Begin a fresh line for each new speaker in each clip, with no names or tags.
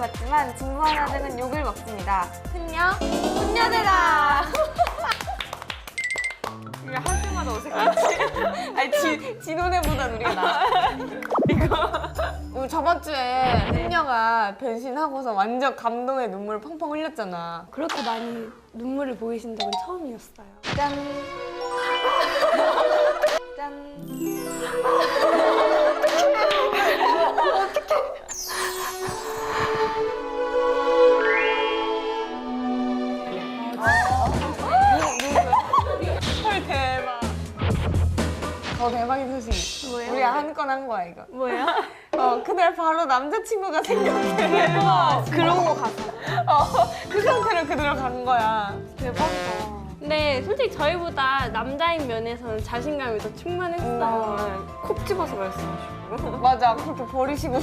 받지만 진부 하나 되는 욕을 먹습니다. 흔녀, 훈녀대다. 이거 할 때마다 어색하지? 아니 진호네보단 우리가 나아. 이거 저번 주에 흔녀가 변신하고서 완전 감동의 눈물을 펑펑 흘렸잖아.
그렇게 많이 눈물을 보이신 적은 처음이었어요.
짠. 짠. 헐 대박. 더 대박인 소식.
뭐예요?
우리가 한 건 한 거야 이거.
뭐예요?
그날 바로 남자친구가 생겼대. 대박.
그러고 갔어.
그 상태로 그대로 간 거야.
대박이다. 근데 솔직히 저희보다 남자인 면에서는 자신감이 더 충만했어요.
콕 집어서 그랬어. 맞아. 그렇게 버리시고.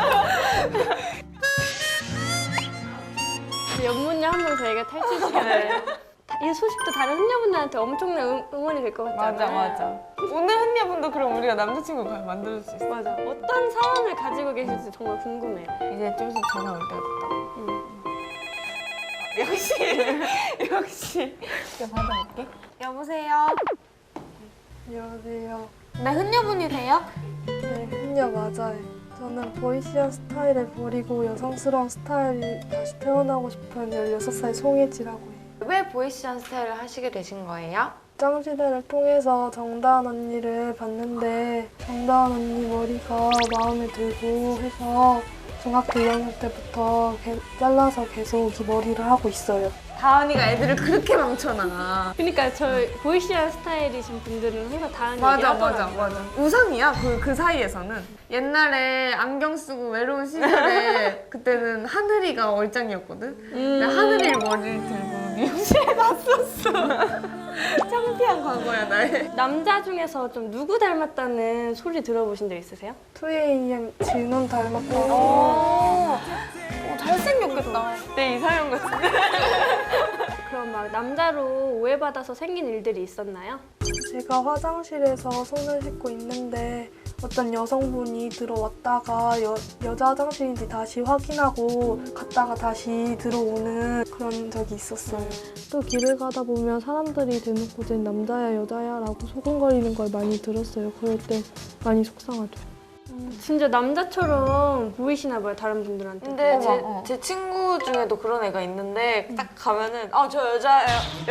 연문녀 한 번 저희가 탈출시켜요. 이 소식도 다른 훈녀분들한테 엄청난 응원이 될 것 같잖아요.
맞아. 오늘 흔녀분도 그럼 우리가 남자친구 만들 수 있어.
맞아. 어떤 사연을 가지고 계실지 정말 궁금해요.
이제 좀 있으면 전화 올 때가 됐다. 역시. 이거 받아볼게. 여보세요.
안녕하세요.
네, 흔녀분이세요?
네, 흔녀 맞아요. 저는 보이시한 스타일을 버리고 여성스러운 스타일이 다시 태어나고 싶은 16살 송혜지라고 해요.
왜 보이시한 스타일을 하시게 되신 거예요?
짱시대를 통해서 정다은 언니를 봤는데 정다은 언니 머리가 마음에 들고 해서 중학교 2학년 때부터 잘라서 계속 이 머리를 하고 있어요.
다은이가 애들을 그렇게 망쳐놔.
그러니까 저 보이시한 스타일이신 분들은 항상 다른
맞아,
얘기
맞아,
하더라고요.
맞아. 우상이야, 그 사이에서는. 옛날에 안경 쓰고 외로운 시절에 그때는 하늘이가 얼짱이었거든? 근데 하늘이 머리를 들고 미용실에 갔었어. 창피한 과거야, 나의.
남자 중에서 좀 누구 닮았다는 소리 들어보신 적 있으세요?
2AM 진원 닮았고
잘생겼겠다. 내 이상형 같은데?
그럼 막 남자로 오해받아서 생긴 일들이 있었나요?
제가 화장실에서 손을 씻고 있는데 어떤 여성분이 들어왔다가 여자 화장실인지 다시 확인하고 갔다가 다시 들어오는 그런 적이 있었어요. 또 길을 가다 보면 사람들이 대놓고 쟤 남자야 여자야 라고 소곤거리는 걸 많이 들었어요. 그럴 때 많이 속상하죠.
진짜 남자처럼 보이시나 봐요, 다른 분들한테.
근데 제 친구 중에도 그런 애가 있는데 딱 가면은 저 여자예요.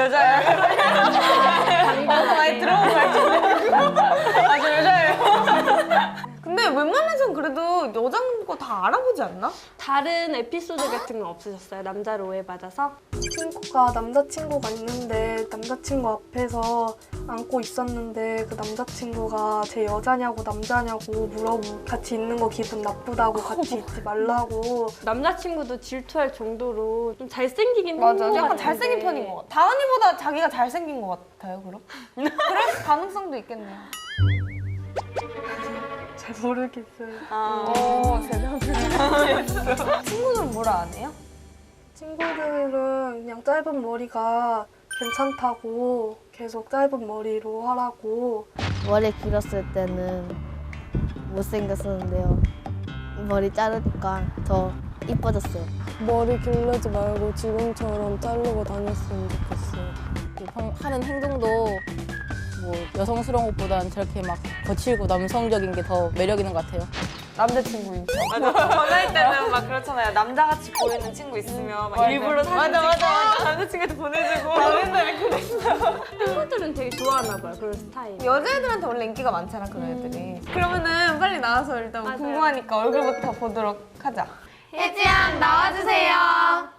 많이 들어본 거 같은데. 저 여자예요. 근데 웬만해서는 그래도 여자인 거 다 알아보지 않나?
다른 에피소드 같은 건 없으셨어요? 남자로 오해받아서?
친구가 남자친구가 있는데 남자친구 앞에서 안고 있었는데 그 남자친구가 제 여자냐고 남자냐고 물어보고 같이 있는 거 기분 나쁘다고 같이 있지 말라고.
남자친구도 질투할 정도로 좀 잘생기긴
맞아.
한것
약간
같은데.
잘생긴 편인 것 같아. 다은이보다 자기가 잘생긴 것 같아요, 그럼? 그럴 가능성도 있겠네요.
잘 모르겠어요.
대단해. 친구들은 뭐라 안 해요?
친구들은 그냥 짧은 머리가 괜찮다고 계속 짧은 머리로 하라고.
머리 길었을 때는 못생겼었는데요. 머리 자르니까 더 이뻐졌어요.
머리 기르지 말고 지금처럼 자르고 다녔으면 좋겠어요.
하는 행동도 뭐 여성스러운 것보다는 저렇게 막 거칠고 남성적인 게 더 매력 있는 것 같아요.
남자친구인 척. 맞아. 전화할 때는 막 그렇잖아요. 남자같이 보이는 친구 있으면 막 일부러 사진 찍고 남자친구한테 보내주고. 나 맨날 그랬어.
친구들은 되게 좋아하나 봐요, 그런 스타일.
여자애들한테 원래 인기가 많잖아, 그런 애들이. 그러면은 빨리 나와서 일단
맞아요.
궁금하니까 얼굴부터 보도록 하자. 혜지양 나와주세요.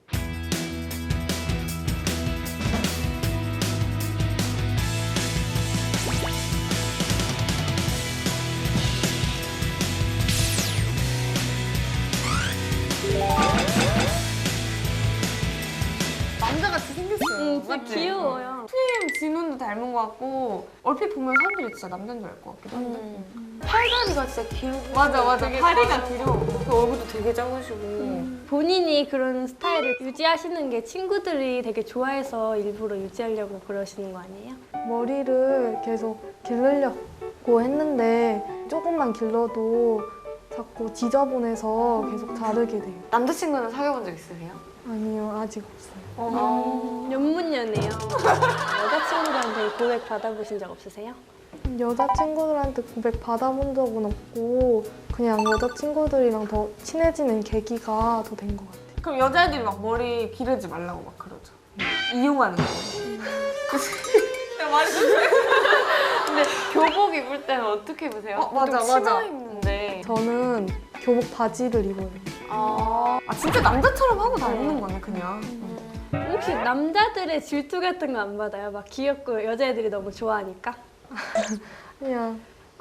남자같이 생겼어요.
진짜
맞지?
귀여워요.
TM 진훈도 닮은 것 같고 얼핏 보면 사람들이 진짜 남자인 줄 알 것 같기도 한데 팔다리가 진짜 길고 맞아 다리가 길어. 그 얼굴도 되게 작으시고
본인이 그런 스타일을 유지하시는 게 친구들이 되게 좋아해서 일부러 유지하려고 그러시는 거 아니에요?
머리를 계속 기르려고 했는데 조금만 길러도 자꾸 지저분해서 계속 자르게 돼요.
남자친구는 사귀어본 적 있으세요?
아니요, 아직 없어요.
연문연이에요. 여자친구들한테 고백 받아보신 적 없으세요?
여자친구들한테 고백 받아본 적은 없고 그냥 여자친구들이랑 더 친해지는 계기가 더 된 것 같아요.
그럼 여자애들이 막 머리 기르지 말라고 막 그러죠. 이용하는 거예요. 내가 말했는데.
근데 교복 입을 때는 어떻게 입으세요?
맞아,
보통 치마
맞아.
입는데.
저는 교복 바지를 입어요.
아, 진짜 남자처럼 하고 다니는 거네, 그냥.
혹시 남자들의 질투 같은 거 안 받아요? 막 귀엽고 여자애들이 너무 좋아하니까?
그냥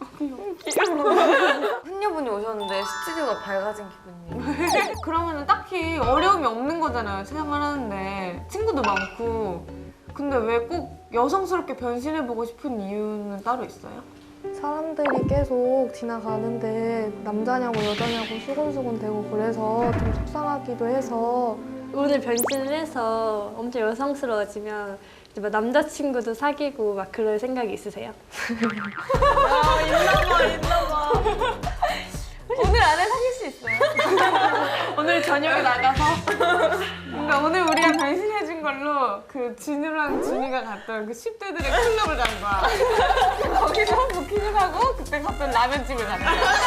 훈녀분이 오셨는데 스튜디오가 밝아진 기분이에요.
그러면 딱히 어려움이 없는 거잖아요, 생활하는데. 친구도 많고. 근데 왜 꼭 여성스럽게 변신해보고 싶은 이유는 따로 있어요?
사람들이 계속 지나가는데 남자냐고 여자냐고 수근수근 대고 그래서 좀 속상하기도 해서
오늘 변신을 해서 엄청 여성스러워지면 이제 막 남자친구도 사귀고 막 그럴 생각이 있으세요?
오늘 안에 사귈 수 있어요. 오늘 저녁에 나가서. 그러니까 오늘 우리가 변신해준 걸로 그 진우랑 준이가 갔던 그 10대들의 클럽을 간 거야. 거기서 부킹을 하고 그때 갔던 라면집을 갔다.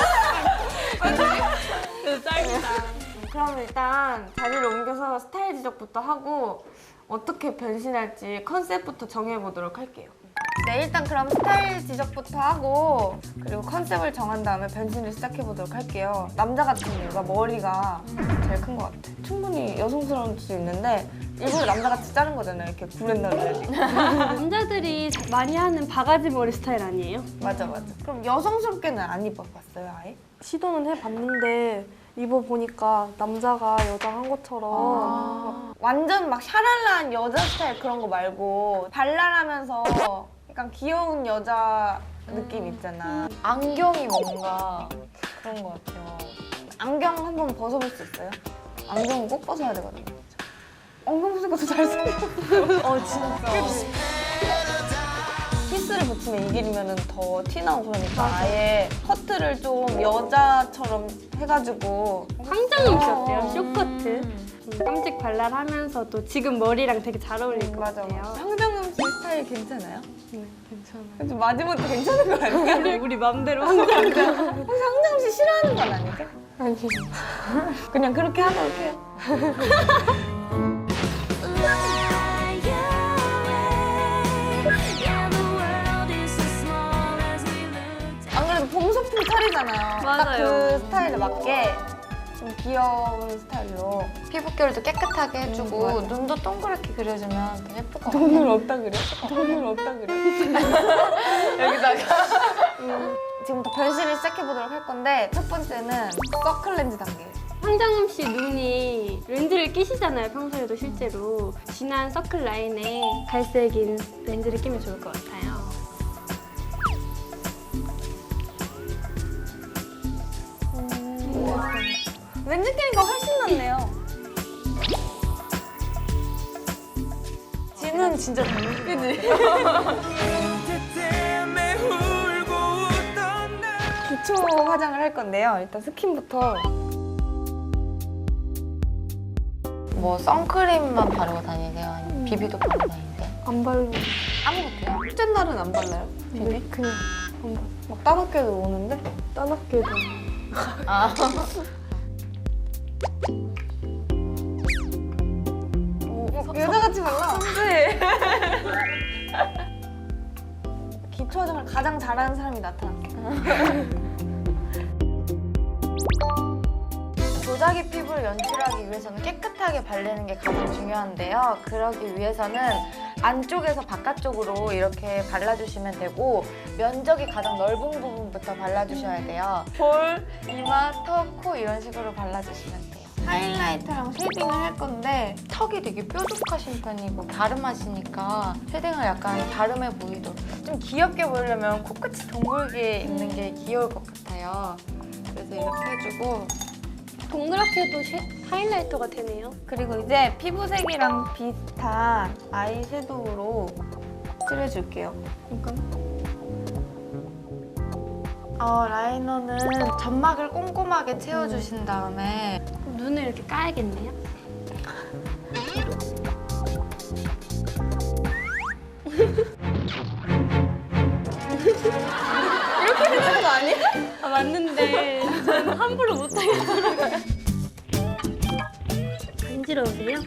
짱이다.
그럼 일단 자리를 옮겨서 스타일 지적부터 하고 어떻게 변신할지 컨셉부터 정해보도록 할게요. 네, 일단 그럼 스타일 지적부터 하고 그리고 컨셉을 정한 다음에 변신을 시작해보도록 할게요. 남자 같은 이유가 머리가 제일 큰 것 같아. 충분히 여성스러울 수 있는데 일부러 남자같이 자른 거잖아요. 이렇게 구렛나루를.
남자들이 많이 하는 바가지 머리 스타일 아니에요?
맞아. 그럼 여성스럽게는 안 입어봤어요, 아예?
시도는 해봤는데 입어보니까 남자가 여자 한 것처럼
완전 막 샤랄라한 여자 스타일 그런 거 말고 발랄하면서 약간 귀여운 여자 느낌 있잖아.
안경이 뭔가 그런 것 같아요.
안경 한번 벗어볼 수 있어요? 안경은 꼭 벗어야 되거든요. 안경 벗으니까 더 잘생겼어. 진짜. 피스를 붙이면 이길이면 더 티나고 그러니까 아예 커트를 좀 여자처럼 해가지고
황정음 씨 어때요? 쇼커트. 깜찍 발랄하면서도 지금 머리랑 되게 잘 어울릴 것
맞아.
같아요.
황정음 씨 스타일 괜찮아요?
네, 괜찮아요.
좀 마지못해 괜찮은 거 아니야?
우리 맘대로 황정음.
혹시 황정음 씨 싫어하는 건 아니죠?
아니
그냥 그렇게 하도록 해요. 안 그래도 봄소풍 차리잖아요. 딱
맞아요.
그 스타일에 맞게 좀 귀여운 스타일로.
피부결도 깨끗하게 해주고
맞아.
눈도 동그랗게 그려주면 더 예쁠 것 같아요.
돈을 없다 그래? 돈을 없다 그래? 여기다가 지금부터 변신을 시작해보도록 할 건데 첫 번째는 서클 렌즈 단계.
황정음 씨 눈이 렌즈를 끼시잖아요, 평소에도 실제로. 진한 서클 라인에 갈색인 렌즈를 끼면 좋을 것 같아요.
렌즈 끼니까 훨씬 낫네요.
지는 진짜 닮은
그지? 기초 화장을 할 건데요. 일단 스킨부터.
뭐 선크림만 바르고 다니세요? 아니면 비비도 바르고 다니세요?
안 바르고
아무것도요?
첫째 날은 안 발라요?
네, 그냥
막 따갑게도 오는데?
따갑게도
아.
여자같이 발라. 네. 기초 화장을 가장 잘하는 사람이 나타났어.
도자기 피부를 연출하기 위해서는 깨끗하게 바르는 게 가장 중요한데요. 그러기 위해서는 안쪽에서 바깥쪽으로 이렇게 발라주시면 되고 면적이 가장 넓은 부분부터 발라주셔야 돼요. 볼, 이마, 턱, 코 이런 식으로 발라주시면 돼요.
하이라이터랑 쉐딩을 할 건데
턱이 되게 뾰족하신 편이고 갸름하시니까 쉐딩을 약간 갸름해 보이도록 좀 귀엽게 보이려면 코끝이 동글게 있는 게 귀여울 것 같아요. 그래서 이렇게 해주고
동그랗게도 하이라이터가 되네요.
그리고 이제 피부색이랑 비슷한 아이섀도우로 칠해줄게요.
라이너는 점막을 꼼꼼하게 채워주신 다음에
눈을 이렇게 까야겠네요. 이렇게 되는 거 아니야? 아, 맞는데 저는 함부로 못하겠더라고요. 간지러우세요?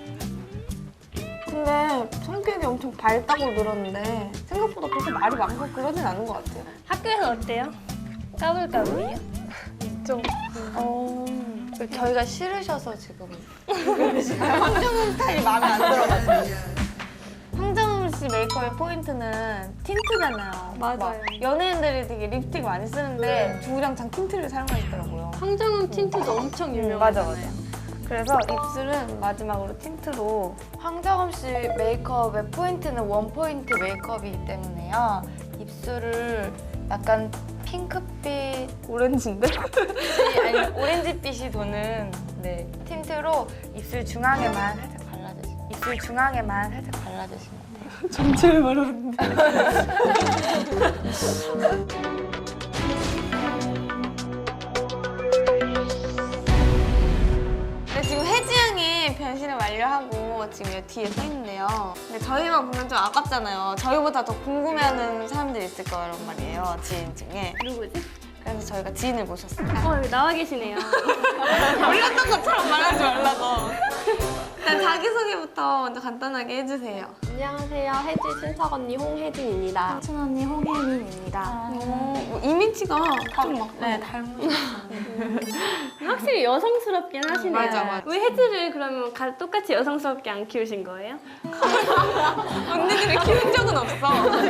근데 성격이 엄청 밝다고 들었는데 생각보다 그렇게 말이 많고 그러진 않은 것 같아요.
학교에서 어때요? 까불까불이요?
좀
저희가 싫으셔서 지금
황정음 스타일이 마음에 안 들어가지고. 황정음 씨 메이크업의 포인트는 틴트잖아요.
맞아요.
막 연예인들이 되게 립스틱 많이 쓰는데 주구장창 틴트를 사용하시더라고요.
황정음 틴트도 엄청
맞아,
유명하잖아요.
맞아. 그래서 입술은 마지막으로 틴트로.
황정음 씨 메이크업의 포인트는 원 포인트 메이크업이기 때문에요. 입술을 약간 핑크빛
오렌지인데?
아니 오렌지빛이 도는 네, 틴트로 입술 중앙에만 살짝 발라주시면 입술 중앙에만 살짝 발라주시면 돼요.
전체를 말하는데. 네, 지금 혜지 양이 변신을 완료하고 지금 여기 뒤에 서 있는데요. 근데 저희만 보면 좀 아깝잖아요. 저희보다 더 궁금해하는 사람들이 있을 거란 말이에요, 지인 중에.
누구지?
그래서 저희가 지인을 모셨어요.
여기 나와 계시네요.
몰랐던 것처럼 말하지 말라고. 일단 자기소개부터 먼저 간단하게 해주세요.
안녕하세요. 혜지 친척 언니 홍혜진입니다.
춘 언니 홍혜민입니다.
뭐 이미지가 좀 막.
네, 닮은.
확실히 여성스럽긴 하시네요.
맞아, 맞아.
왜 혜지를 그러면 똑같이 여성스럽게 안 키우신 거예요?
언니들을 키운 적은 없어.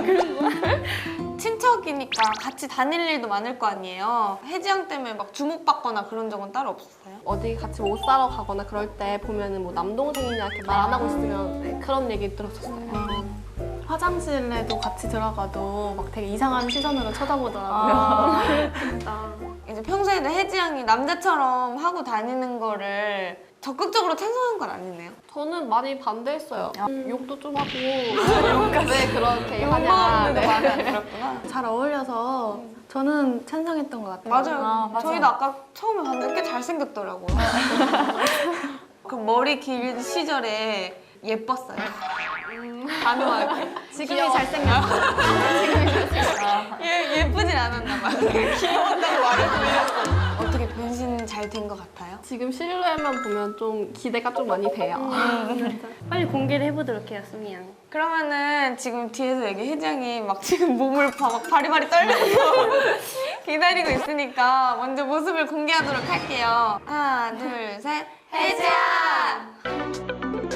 친척이니까 같이 다닐 일도 많을 거 아니에요. 혜지 양 때문에 막 주목받거나 그런 적은 따로 없었어요?
어디 같이 옷 사러 가거나 그럴 때 보면은 뭐 남동생이냐 이렇게 말 안 하고 있으면 네, 그런 얘기 들었었어요.
화장실에도 같이 들어가도 막 되게 이상한 시선으로 쳐다보더라고요.
이제 평소에도 혜지 양이 남자처럼 하고 다니는 거를 적극적으로 찬성한 건 아니네요.
저는 많이 반대했어요. 욕도 좀 하고 왜 그렇게 하냐.
욕먹는데도 마음에 안 들었구나.
잘 어울려서 저는 찬성했던 것 같아요.
맞아요.
맞아요.
저희도 아까 처음에 봤는데 꽤 잘생겼더라고요. 그 머리 길 시절에 예뻤어요. 단호하게.
지금이 잘생겼어요.
예쁘진 않았나 봐요. 귀여웠다고 말을 돌렸어. 어떻게 변신 잘 된 것 같아요?
지금 실루엣만 보면 좀 기대가 좀 많이 돼요.
빨리 공개를 해보도록 해요, 수미 양.
그러면은 지금 뒤에서 여기 혜정이 막 지금 몸을 막 바리바리 떨면서 기다리고 있으니까 먼저 모습을 공개하도록 할게요. 하나, 둘, 셋. 혜지야!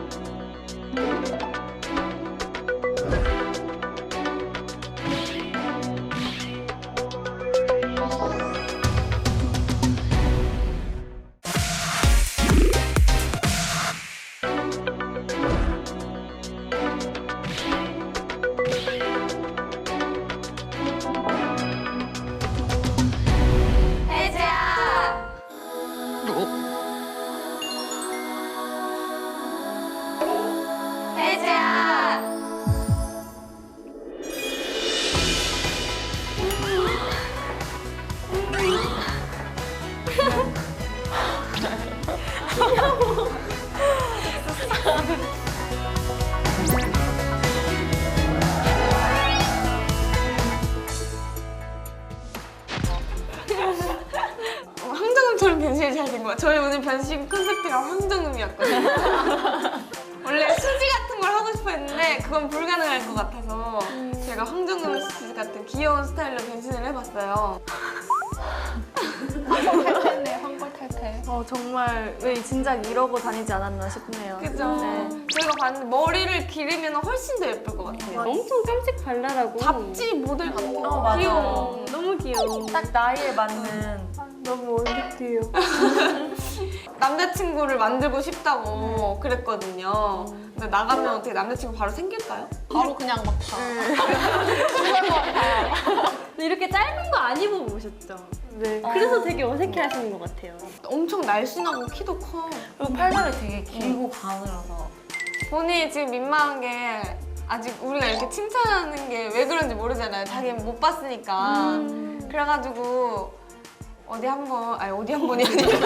황정음처럼 변신이 잘 된 거야. 저희 오늘 변신 콘셉트가 황정음이었거든요. 원래 수지 같은 걸 하고 싶어 했는데 그건 불가능할 것 같아서 제가 황정음 씨 같은 귀여운 스타일로 변신을 해봤어요.
정말 왜 진작 이러고 다니지 않았나 싶네요.
그죠? 저희가 봤는데 머리를 기르면 훨씬 더 예쁠 것 같아요.
엄청 깜찍 발랄하고
잡지 모델 같고
맞아요.
귀여워.
너무 귀여워.
딱 나이에 맞는
너무 원픽이에요.
남자친구를 만들고 싶다고 그랬거든요. 근데 나가면 어떻게 남자친구 바로 생길까요?
바로 그냥 막 다.
근데 이렇게 짧은 거 안 입어보셨죠?
네.
그래서 되게 어색해 하시는 것 같아요.
엄청 날씬하고 키도 커.
그리고 팔다리 되게 길고 가늘어서
본인이 지금 민망한 게 아직 우리가 이렇게 칭찬하는 게 왜 그런지 모르잖아요. 자기는 못 봤으니까. 그래가지고 어디 한 번이 아니라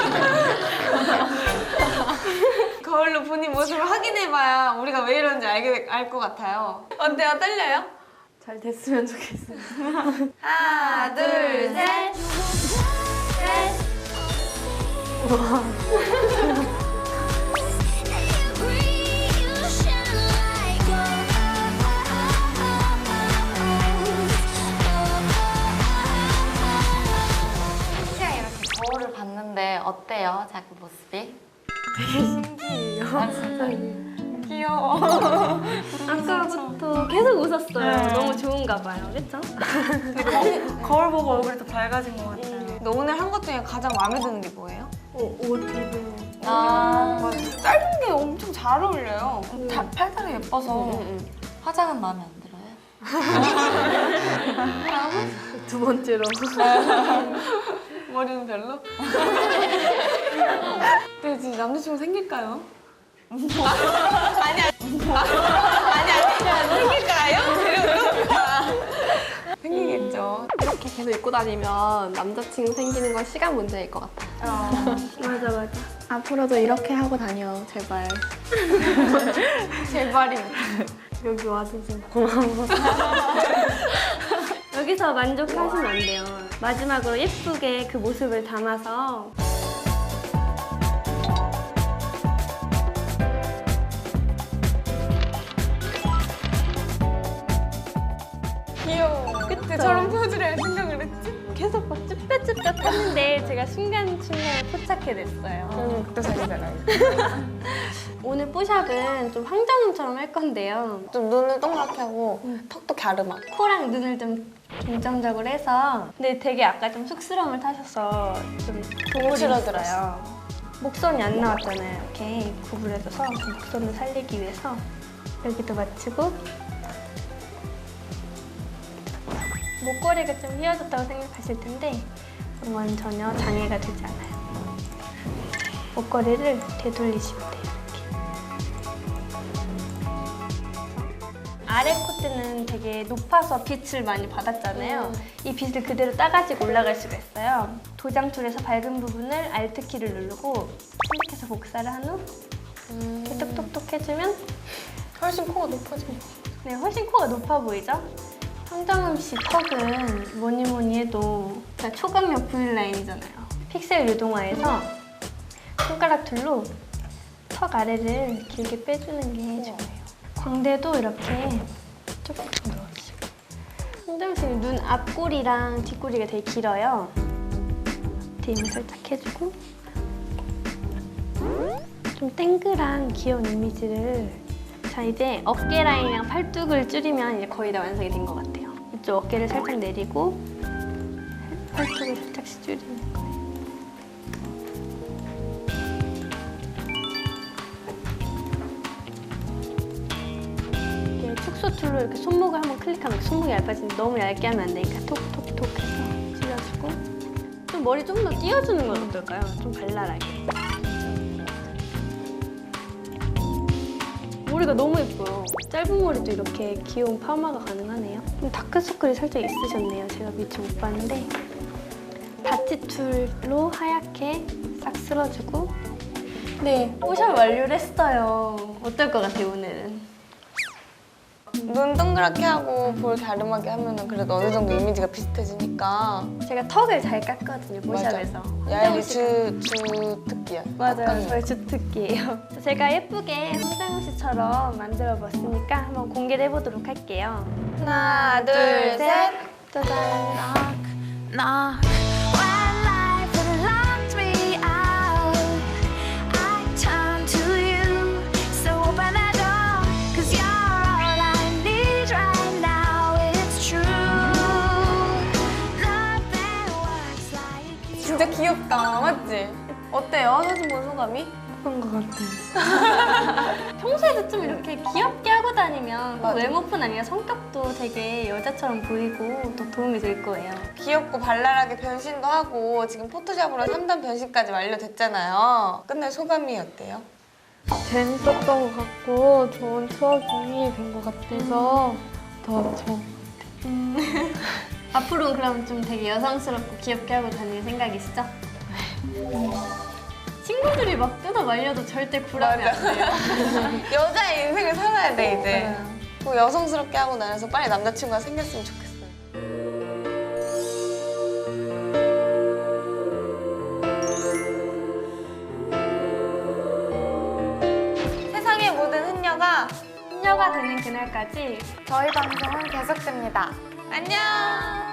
거울로 본인 모습을 확인해봐야 우리가 왜 이런지 알 것 같아요. 어때요? 떨려요?
잘 됐으면 좋겠어요.
하나, 둘, 셋.
시아 이렇게 거울을 봤는데 어때요? 자기 모습이?
귀여워.
아까부터 계속 웃었어요. 너무 좋은가 봐요. 그쵸?
거울 보고 얼굴이 더 밝아진 것 같아요. 너 오늘 한 것 중에 가장 마음에 드는 게 뭐예요?
옷 입은
아,
짧은 게 엄청 잘 어울려요.
팔다리 예뻐서 화장은 마음에 안 들어요?
두 번째로.
머리는 별로? 네, 지금 남자친구 생길까요? 아니야. 생길까요? 생기겠죠.
이렇게 계속 입고 다니면 남자친구 생기는 건 시간 문제일 것 같아요.
맞아.
앞으로도 이렇게 하고 다녀, 제발.
제발입니다.
여기 와줘서.
여기서 만족하시면 안 돼요. 마지막으로 예쁘게 그 모습을 담아서
귀여워. 그때 저런 포즈를 할 생각을 했지?
계속 막 쭈뼛쭈뼛 했는데 제가 순간순간에 포착해냈어요.
그때 사진 잘 나요.
오늘 뽀샵은 좀 황정음처럼 할 건데요.
좀 눈을 동그랗게 하고 턱도 갸름하고.
코랑 눈을 좀 중점적으로 해서 근데 되게 아까 좀 쑥스러움을 타셔서 좀
거칠어들었어요.
목선이 안 나왔잖아요. 이렇게 구부려져서 그 목선을 살리기 위해서 여기도 맞추고 목걸이가 좀 휘어졌다고 생각하실 텐데 그런 건 전혀 장애가 되지 않아요. 목걸이를 되돌리시면 돼요. 아래 콧대는 되게 높아서 빛을 많이 받았잖아요. 이 빛을 그대로 따가지고 올라갈 수가 있어요. 도장 툴에서 밝은 부분을 Alt키를 누르고 선택해서 복사를 한 후 이렇게 톡톡톡 해주면
훨씬 코가 높아진 것
네, 훨씬 코가 높아 보이죠? 황정음 씨 턱은 뭐니 해도 초강력 V라인이잖아요. 픽셀 유동화해서 손가락 툴로 턱 아래를 길게 빼주는 게 중요해요. 광대도 이렇게 조금 넣어주시고. 황정음 씨는 눈 앞꼬리랑 뒷꼬리가 되게 길어요. 뒤에 살짝 해주고 좀 땡글한 귀여운 이미지를 자 이제 어깨 라인이랑 팔뚝을 줄이면 이제 거의 다 완성이 된 것 같아요. 이쪽 어깨를 살짝 내리고 팔뚝을 살짝씩 줄이는 거예요. 축소 툴로 이렇게 손목을 한번 클릭하면 손목이 얇아지는데 너무 얇게 하면 안 되니까 톡톡톡 해서 줄여주고 좀 머리 좀 더 띄워주는 건 어떨까요? 좀 발랄하게. 머리가 너무 예뻐요. 짧은 머리도 이렇게 귀여운 파마가 가능하네요. 좀 다크서클이 살짝 있으셨네요. 제가 미처 못 봤는데 다치 툴로 하얗게 싹 쓸어주고 네, 뽀샵 완료를 했어요. 어떨 것 같아요, 오늘은?
눈 동그랗게 하고 볼 갸름하게 하면은 그래도 어느 정도 이미지가 비슷해지니까.
제가 턱을 잘 깎거든요, 뽀샵에서.
야엘이 주특기야.
맞아요. 저희 주특기예요. 제가 예쁘게 황정음 씨처럼 만들어 봤으니까 한번 공개를 해보도록 할게요.
하나, 둘, 셋.
짜잔.
knock. When life had locked me out, I turn to you. So open that door, 'cause you're all I need right now. It's true. Nothing works like you.
진짜 귀엽다, 맞지? 어때요? 사진 본 소감이?
예쁜 것 같아요. 평소에도 좀 이렇게 귀엽게 하고 다니면 꼭
맞아.
외모뿐 아니라 성격도 되게 여자처럼 보이고 또 도움이 될 거예요.
귀엽고 발랄하게 변신도 하고 지금 포토샵으로 3단 변신까지 완료됐잖아요. 끝내 소감이 어때요?
재밌었던 것 같고 좋은 추억이 된 것 같아서 더 좋은
앞으로는 그럼 좀 되게 여성스럽고 귀엽게 하고 다닐 생각이시죠? 친구들이 막 뜯어 말려도 절대 구라면 안 돼요.
여자의 인생을 살아야 돼 이제. 꼭 여성스럽게 하고 나서 빨리 남자친구가 생겼으면 좋겠어요. 세상의 모든 흔녀가
혼녀가 되는 그날까지
저희 방송은 계속됩니다.
안녕.